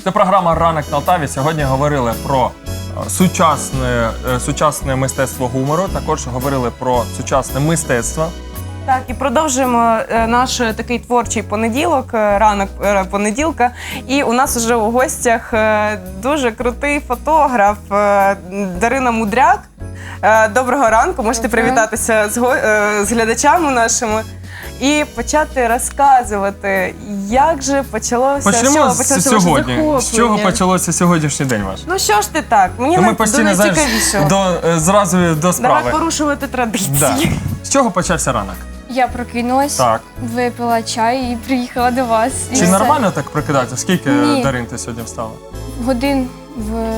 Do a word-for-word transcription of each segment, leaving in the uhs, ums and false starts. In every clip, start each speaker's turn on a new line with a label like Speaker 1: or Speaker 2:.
Speaker 1: Це програма «Ранок на Алтаві». Сьогодні говорили про сучасне, сучасне мистецтво гумору, також говорили про сучасне мистецтво.
Speaker 2: Так, і продовжуємо наш такий творчий понеділок, ранок понеділка. І у нас вже у гостях дуже крутий фотограф Дарина Мудряк. Доброго ранку, можете привітатися з, з глядачами нашими і почати розказувати, як же почалося,
Speaker 1: Почнемо
Speaker 2: з чого почалося
Speaker 1: сьогодні.
Speaker 2: ваше
Speaker 1: З чого почалося сьогоднішній день ваш?
Speaker 2: Ну що ж ти так, мені
Speaker 1: ну,
Speaker 2: на,
Speaker 1: ми постійно,
Speaker 2: до
Speaker 1: знаєш,
Speaker 2: найцікавішого.
Speaker 1: до, зразу до справи.
Speaker 2: Давай порушувати традиції.
Speaker 1: Да. З чого почався ранок?
Speaker 3: Я прокинулась,
Speaker 1: Так.
Speaker 3: випила чай і приїхала до вас. І
Speaker 1: Чи
Speaker 3: все.
Speaker 1: нормально так прокидатися? Скільки,
Speaker 3: Ні.
Speaker 1: Дарин, ти сьогодні встала?
Speaker 3: Годин в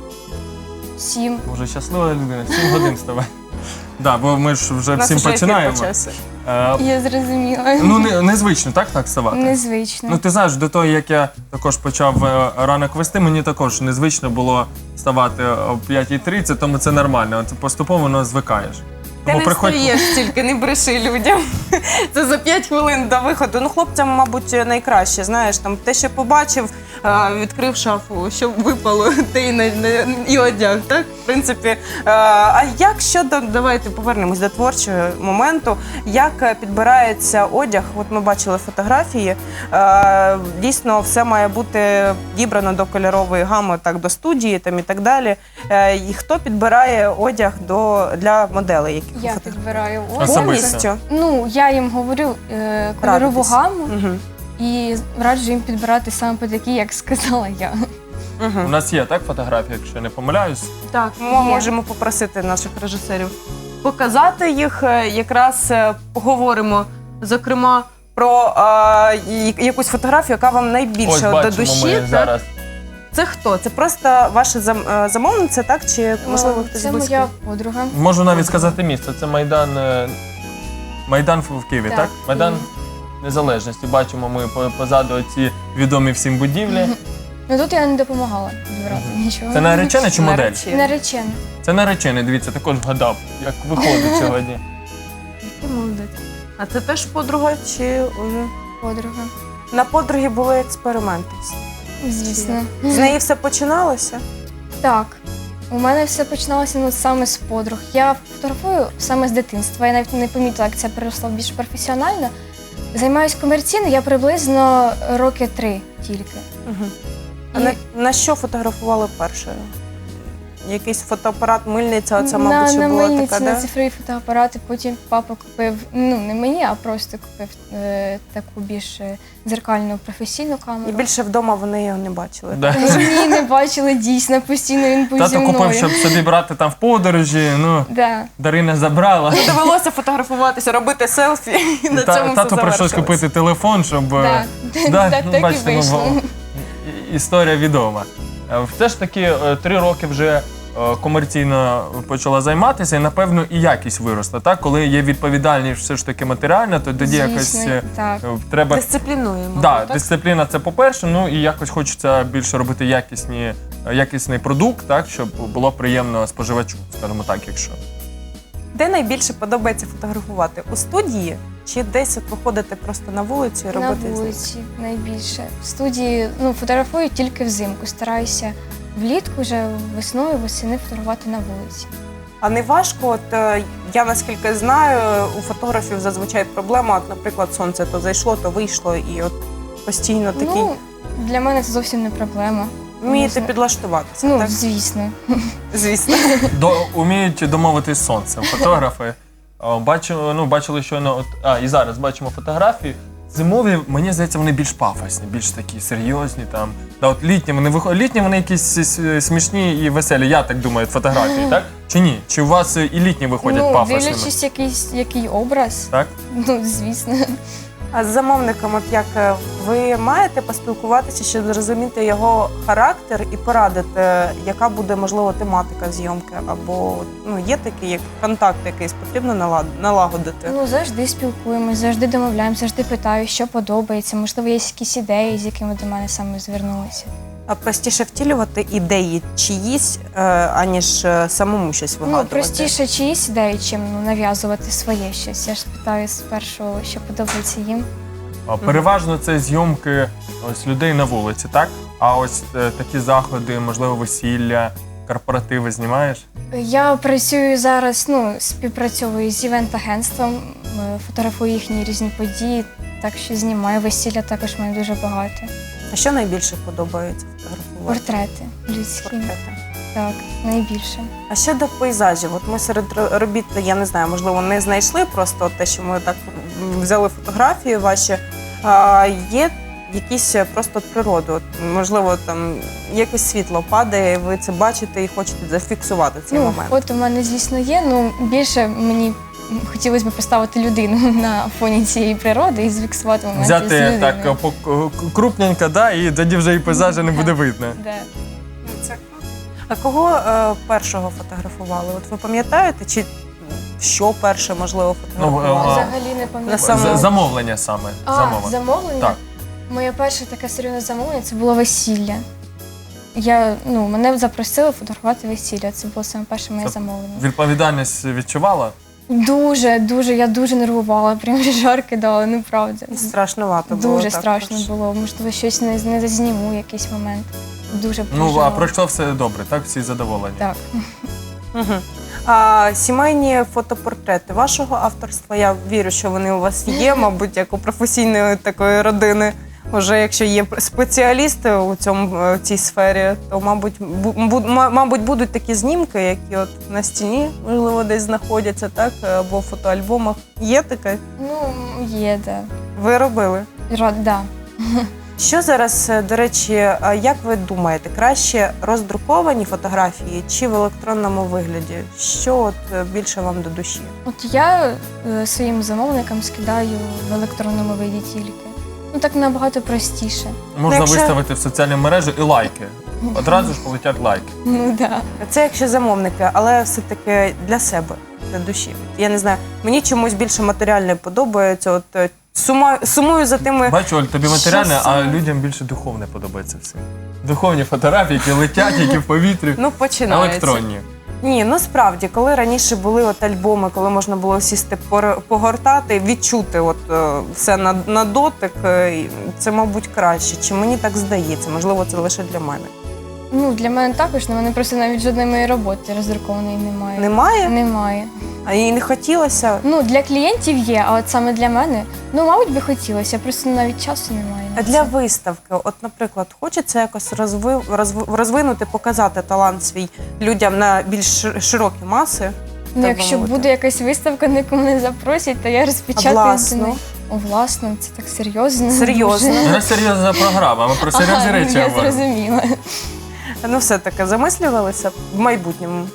Speaker 3: сім.
Speaker 1: Може, щаслива людина, сім годин вставай. Да, бо ми ж вже
Speaker 2: У нас
Speaker 1: всім
Speaker 2: вже ефір
Speaker 1: починаємо.
Speaker 2: почався.
Speaker 1: Е,
Speaker 3: Я зрозуміла.
Speaker 1: ну, не, незвично, так, так вставати?
Speaker 3: Незвично.
Speaker 1: Ну, ти знаєш, до того, як я також почав е, ранок вести, мені також незвично було вставати о п'ятій тридцять, тому це нормально. Це поступово воно звикаєш.
Speaker 2: Ти
Speaker 1: Тому
Speaker 2: не
Speaker 1: приходь-
Speaker 2: встаєш тільки, не бреши людям. Це за п'ять хвилин до виходу. Ну, хлопцям, мабуть, найкраще, знаєш, там те, що побачив, а, відкрив шафу, що випало, те і, на- на- і одяг, так? В принципі, а, а як щодо, давайте повернемось до творчого моменту, як підбирається одяг, от ми бачили фотографії, а, дійсно все має бути дібрано до кольорової гами, так, до студії там, і так далі. Е, І хто підбирає одяг до, для моделей, які
Speaker 3: Я
Speaker 2: фото-
Speaker 3: підбираю
Speaker 1: Особисто.
Speaker 3: одяг.
Speaker 2: повністю?
Speaker 3: Ну, я їм говорю е, кольорову
Speaker 2: Радитись.
Speaker 3: гаму
Speaker 2: Мгм.
Speaker 3: і раджу їм підбирати саме по такі, як сказала я.
Speaker 1: У
Speaker 2: Мгм.
Speaker 1: нас є, так, фотографія, якщо я не помиляюсь?
Speaker 2: Так, ми
Speaker 3: Є.
Speaker 2: можемо попросити наших режисерів показати їх. Е, Якраз е, поговоримо, зокрема, про е, і- якусь фотографію, яка вам
Speaker 1: Ось
Speaker 2: найбільше до
Speaker 1: бачимо
Speaker 2: душі.
Speaker 1: ми
Speaker 2: так?
Speaker 1: зараз.
Speaker 2: Це хто? Це просто ваша зам- е, замовниця, так? Чи, можливо, хтось
Speaker 3: Це
Speaker 2: близький?
Speaker 3: моя подруга.
Speaker 1: Можу навіть сказати місце. Це Майдан, е, Майдан в в Києві, так?
Speaker 3: Так,
Speaker 1: Майдан
Speaker 3: Київ.
Speaker 1: Незалежності. Бачимо ми по- позаду ці відомі всім будівлі.
Speaker 3: Ну тут я не допомагала підбирати нічого.
Speaker 1: Це наречена чи модель?
Speaker 2: Наречена.
Speaker 3: Наречена.
Speaker 1: Це наречений, дивіться, також вгадав, як виходить сьогодні.
Speaker 2: Який молодець. А це теж подруга чи уже?
Speaker 3: Подруга.
Speaker 2: На подруги були експерименти.
Speaker 3: Звісно.
Speaker 2: З неї все починалося?
Speaker 3: Так. У мене все починалося ну, саме з подруг. Я фотографую саме з дитинства. Я навіть не помітила, як це переросло більш професіонально. Займаюсь комерційно я приблизно роки три тільки.
Speaker 2: Угу. А
Speaker 3: І
Speaker 2: на, на що фотографували перше? Якийсь фотоапарат, мильниця, оця, мабуть,
Speaker 3: на,
Speaker 2: що
Speaker 3: на
Speaker 2: була
Speaker 3: мильниці,
Speaker 2: така,
Speaker 3: на
Speaker 2: да?
Speaker 3: цифрові фотоапарати, потім папа купив, ну не мені, а просто купив е, таку більш е, дзеркальну професійну камеру.
Speaker 2: І більше вдома вони його не бачили.
Speaker 1: Да.
Speaker 3: Ні, не бачили, дійсно, постійно він був зі
Speaker 1: Тато
Speaker 3: мною.
Speaker 1: купив, щоб собі брати там в подорожі, ну,
Speaker 3: Да.
Speaker 1: Дарина забрала.
Speaker 2: Довелося фотографуватися, робити селфі, і на
Speaker 1: Та-
Speaker 2: цьому все
Speaker 1: Тато прийшлось
Speaker 2: завершилось.
Speaker 1: купити телефон, щоб...
Speaker 3: Да.
Speaker 1: е, да,
Speaker 3: Так,
Speaker 1: ну,
Speaker 3: так і
Speaker 1: бачите, ну,
Speaker 3: вийшло.
Speaker 1: і- Історія відома. Е, Все ж таки е, три роки вже е, комерційно почала займатися, і, напевно, і якість виросла. Так? Коли є відповідальність все ж таки матеріальна, то тоді
Speaker 3: Звісно,
Speaker 1: якось е,
Speaker 3: так.
Speaker 1: е, треба...
Speaker 2: Дисциплінуємо.
Speaker 1: Да,
Speaker 2: так?
Speaker 1: дисципліна це по-перше, ну і якось хочеться більше робити якісні, якісний продукт, так, щоб було приємно споживачу, скажімо так, якщо.
Speaker 2: Де найбільше подобається фотографувати? У студії чи десь от виходити просто на вулицю і
Speaker 3: На
Speaker 2: робити?
Speaker 3: вулиці найбільше. В студії ну, фотографую тільки взимку. Стараюся влітку, вже весною, восени фотографувати на вулиці.
Speaker 2: А не важко, от е, я наскільки знаю, у фотографів зазвичай проблема, от, наприклад, сонце то зайшло, то вийшло, і от постійно такий.
Speaker 3: Ну, для мене це зовсім не проблема.
Speaker 2: Вмієте
Speaker 3: можна-
Speaker 2: підлаштуватися,
Speaker 3: Ну,
Speaker 2: так?
Speaker 3: звісно.
Speaker 2: Звісно.
Speaker 1: До, уміють домовитись з сонцем. Фотографи. О, Бачу, ну, бачили щойно, от, а, і зараз бачимо фотографії. Зимові, мені здається, вони більш пафосні, більш такі серйозні. Там. Да, от літні, вони виходять, літні вони якісь с- смішні і веселі, я так думаю, фотографії, так? Чи ні? Чи у вас і літні виходять
Speaker 3: Ну,
Speaker 1: пафосними?
Speaker 3: дивлячись, якийсь, який образ,
Speaker 1: Так?
Speaker 3: ну, звісно.
Speaker 2: А з замовником, от як е, ви маєте поспілкуватися, щоб зрозуміти його характер і порадити, яка буде, можливо, тематика зйомки, або ну, є такий як контакт якийсь, потрібно налад- налагодити?
Speaker 3: Ну, завжди спілкуємось, завжди домовляємося, завжди питаю, що подобається. Можливо, є якісь ідеї, з якими до мене саме звернулися.
Speaker 2: А простіше втілювати ідеї чиїсь, е, аніж е, самому щось
Speaker 3: Ну,
Speaker 2: вигадувати?
Speaker 3: простіше чиїсь ідеї, чим ну, нав'язувати своє щось. Я ж питаю спершу, що подобається їм.
Speaker 1: А, Переважно це зйомки ось людей на вулиці, так? А ось е, такі заходи, можливо, весілля, корпоративи знімаєш?
Speaker 3: Я працюю зараз, ну, співпрацьовую з івент-агентством, е, фотографую їхні різні події, так що знімаю весілля також в мене дуже багато.
Speaker 2: А що найбільше подобається фотографувати?
Speaker 3: Портрети людські.
Speaker 2: Портрети.
Speaker 3: Так, найбільше.
Speaker 2: А щодо пейзажів, от ми серед ро- робіт, я не знаю, можливо, не знайшли просто те, що ми так м, взяли фотографії ваші. А, є якісь просто природи, от, можливо, там якесь світло падає, і ви це бачите і хочете зафіксувати цей
Speaker 3: Ну,
Speaker 2: момент.
Speaker 3: фото в мене, звісно, є, ну більше мені хотілося б поставити людину на фоні цієї природи і зафіксувати моменти з
Speaker 1: Взяти
Speaker 3: людиною.
Speaker 1: так е, по- к- крупненько, да, і тоді вже і пейзажа не буде видно.
Speaker 3: Да.
Speaker 2: Це круто. А кого е, першого фотографували? От ви пам'ятаєте, чи що перше, можливо, фотографували?
Speaker 1: Ну, е,
Speaker 3: Взагалі не пам'ятаю.
Speaker 2: Саме-
Speaker 1: З- Замовлення саме.
Speaker 3: А,
Speaker 1: замовлення.
Speaker 3: замовлення?
Speaker 1: Так.
Speaker 3: Моє перше таке серйозне замовлення це було весілля. Я, ну, мене запросили фотографувати весілля. Це було саме перше моє
Speaker 1: Це
Speaker 3: замовлення.
Speaker 1: Відповідальність відчувала?
Speaker 3: Дуже, дуже, я дуже нервувала, прям жар кидала, ну правда.
Speaker 2: Страшнувато було.
Speaker 3: Дуже
Speaker 2: так,
Speaker 3: страшно
Speaker 2: тож.
Speaker 3: було. Можливо, щось не, не зазніму якийсь момент. Дуже
Speaker 1: Ну, а
Speaker 3: переживала.
Speaker 1: пройшло все добре, так? Всі задоволені?
Speaker 3: Так.
Speaker 2: Угу. А сімейні фотопортрети вашого авторства, я вірю, що вони у вас є, мабуть, як у професійної такої родини. Уже якщо є спеціалісти у цьому в цій сфері, то мабуть, бу, бу- ма- мабуть, будуть такі знімки, які от на стіні, можливо, десь знаходяться, так, або в фотоальбомах. Є таке?
Speaker 3: Ну, є, да.
Speaker 2: Ви робили?
Speaker 3: Рад, да.
Speaker 2: Що зараз, е, до речі, а як ви думаєте, краще роздруковані фотографії чи в електронному вигляді? Що от е, більше вам до душі?
Speaker 3: От я е, своїм замовникам скидаю в електронному виді тільки. Ну так набагато простіше.
Speaker 1: Можна
Speaker 2: якщо-
Speaker 1: виставити в соціальні мережі і лайки. Одразу ж полетять лайки.
Speaker 3: Ну да.
Speaker 2: Це якщо замовники, але все-таки для себе, для душі. Я не знаю, мені чомусь більше матеріальне подобається. От е, сума, сумую за тими.
Speaker 1: Бачу, Оль, тобі матеріальне,
Speaker 2: Що
Speaker 1: а
Speaker 2: саме?
Speaker 1: людям більше духовне подобається все. Духовні фотографії, які летять, які в повітрі.
Speaker 2: Ну, починається.
Speaker 1: Електронні.
Speaker 2: Ні, ну справді, коли раніше були от альбоми, коли можна було сісти пор- погортати, відчути от е, все на, на дотик, е, і це, мабуть, краще. Чи мені так здається? Можливо, це лише для мене.
Speaker 3: Ну, для мене також, але мене просто навіть жодної моєї роботи роздрукованої немає.
Speaker 2: Немає?
Speaker 3: Немає.
Speaker 2: А їй не хотілося.
Speaker 3: Ну, для клієнтів є, а от саме для мене, ну, мабуть, би хотілося, просто навіть часу немає. на
Speaker 2: А
Speaker 3: це.
Speaker 2: для виставки, от, наприклад, хочеться якось розви, розв- розвинути, показати талант свій людям на більш шир- широкі маси.
Speaker 3: Ну,
Speaker 2: так
Speaker 3: якщо
Speaker 2: мовити.
Speaker 3: буде якась виставка, на яку мене запросять, то я розпечатаю.
Speaker 2: А власну?
Speaker 3: це не- О, власно, це так серйозно.
Speaker 2: Серйозно?
Speaker 3: Дуже.
Speaker 1: У нас серйозна програма, ми про серйозні
Speaker 3: Ага,
Speaker 1: речі
Speaker 3: я
Speaker 1: говоримо.
Speaker 3: зрозуміла.
Speaker 2: Ну, все-таки замислювалися в майбутньому.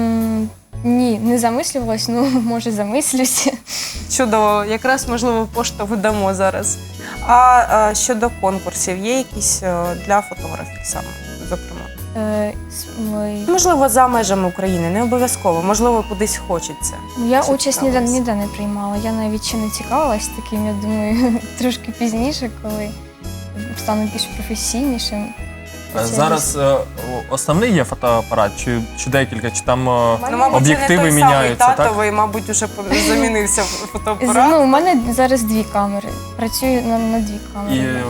Speaker 3: М, Ні, не замислювалась, ну, може, замислюся.
Speaker 2: Чудово, якраз, можливо, поштовх дамо зараз. А, а щодо конкурсів, є якісь е, для фотографів саме, зокрема?
Speaker 3: Е, с- ой.
Speaker 2: Можливо, за межами України, не обов'язково, можливо, кудись хочеться.
Speaker 3: Я
Speaker 2: Чи
Speaker 3: участь ніде,
Speaker 2: цікавилась?
Speaker 3: ніде не приймала. Я навіть ще не цікавилась таким, я думаю, трошки пізніше, коли стану більш професійнішим.
Speaker 1: А Зараз е, о- основний є фотоапарат, чи, чи декілька, чи там е,
Speaker 2: Ну, мабуть,
Speaker 1: об'єктиви
Speaker 2: це не той
Speaker 1: міняються,
Speaker 2: самий
Speaker 1: так?
Speaker 2: татовий, мабуть, уже замінився
Speaker 3: З-
Speaker 2: фотоапарат.
Speaker 3: Ну, у мене зараз дві камери. Працюю на, на дві камери.
Speaker 1: І е,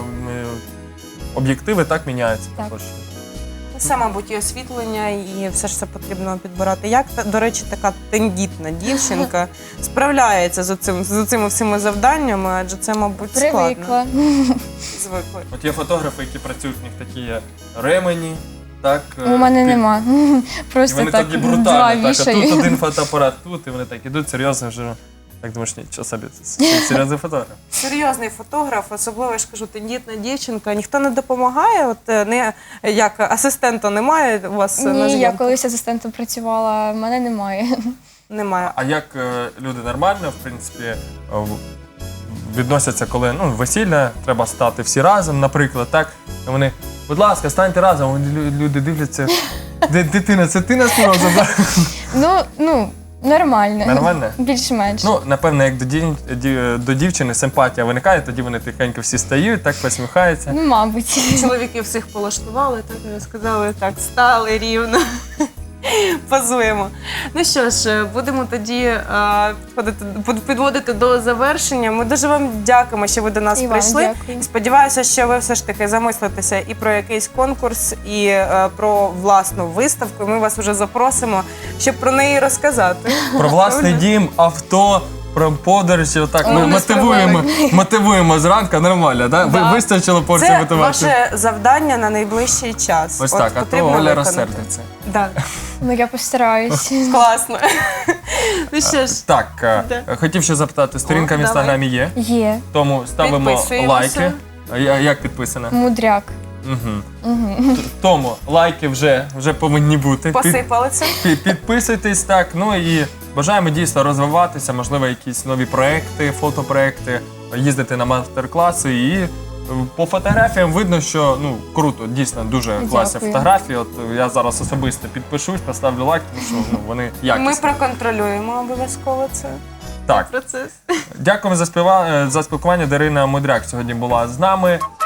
Speaker 1: об'єктиви так міняються
Speaker 3: Так.
Speaker 1: також.
Speaker 2: Це, мабуть, і освітлення, і все ж це потрібно підбирати. Як, та- до речі, така тендітна дівчинка справляється з цим з цими всіми завданнями, адже це, мабуть, складно.
Speaker 3: Привикла.
Speaker 2: Звикли.
Speaker 1: От є фотографи, які працюють, в них такі є ремені, так? е,
Speaker 3: У мене
Speaker 1: ти-
Speaker 3: нема.
Speaker 1: І
Speaker 3: Просто
Speaker 1: вони
Speaker 3: так
Speaker 1: тоді
Speaker 3: два
Speaker 1: брутально, так, а тут
Speaker 3: вішаю.
Speaker 1: один фотоапарат, тут, і вони так ідуть серйозно вже. Так думаєш, нічого собі, це серйозний фотограф.
Speaker 2: Серйозний фотограф, особливо, я ж кажу, тендітна дівчинка. Ніхто не допомагає, от е, не як асистента немає у вас на
Speaker 3: Ні, я
Speaker 2: зйомках?
Speaker 3: колись асистентом працювала, а в мене немає.
Speaker 2: Немає.
Speaker 1: А як е, люди нормально, в принципі, е, в- відносяться, коли ну, весілля, треба стати всі разом, наприклад, так? І вони, будь ласка, станьте разом, Лю- люди дивляться, де дитина, це ти нас морозила?
Speaker 3: Ну, ну, нормально.
Speaker 1: Нормально?
Speaker 3: Більш-менш.
Speaker 1: Ну, напевно, як до, дів... ді- до дівчини симпатія виникає, тоді вони тихенько всі стають, так посміхаються.
Speaker 3: Ну, мабуть.
Speaker 2: Чоловіки всіх полаштували, так і сказали, так, стали рівно. позуємо. Ну що ж, будемо тоді е, підходити, під- підводити до завершення. Ми дуже вам дякуємо, що ви до нас
Speaker 3: І вам
Speaker 2: прийшли.
Speaker 3: дякую.
Speaker 2: Сподіваюся, що ви все ж таки замислитеся і про якийсь конкурс, і е, про власну виставку. І ми вас вже запросимо, щоб про неї розказати.
Speaker 1: Про власний дім, авто, про подорожі. Отак ми
Speaker 2: О, не
Speaker 1: мотивуємо, мотивуємо зранку, нормально, да? Ви
Speaker 2: Да.
Speaker 1: вистачило порції
Speaker 2: Це
Speaker 1: мотивації?
Speaker 2: ваше завдання на найближчий час.
Speaker 1: Ось
Speaker 2: От
Speaker 1: так, а то
Speaker 2: потрібно
Speaker 1: Оля
Speaker 2: виконати.
Speaker 1: розсердиться.
Speaker 2: Да.
Speaker 3: Ну я постараюсь.
Speaker 2: Класно. Ну що ж,
Speaker 1: Так, е,
Speaker 2: Да.
Speaker 1: хотів ще запитати, сторінка
Speaker 2: О,
Speaker 1: в інстаграмі є,
Speaker 3: Є.
Speaker 1: тому ставимо
Speaker 2: Підписуємося.
Speaker 1: лайки. А я- Як підписана?
Speaker 3: Мудряк.
Speaker 1: Угу. Тому лайки вже, вже повинні бути. Під-
Speaker 2: посипали це.
Speaker 1: пі- Підписуйтесь так. Ну і бажаємо дійсно розвиватися, можливо, якісь нові проекти, фотопроекти, їздити на мастер-класи. І е, по фотографіям видно, що ну круто, дійсно дуже класні
Speaker 3: Дякую.
Speaker 1: фотографії. От я зараз особисто підпишусь, поставлю лайк, тому що ну, вони якісні.
Speaker 2: Ми проконтролюємо обов'язково це
Speaker 1: Так,
Speaker 2: процес.
Speaker 1: дякуємо за співа... за спілкування. Дарина Мудряк сьогодні була з нами.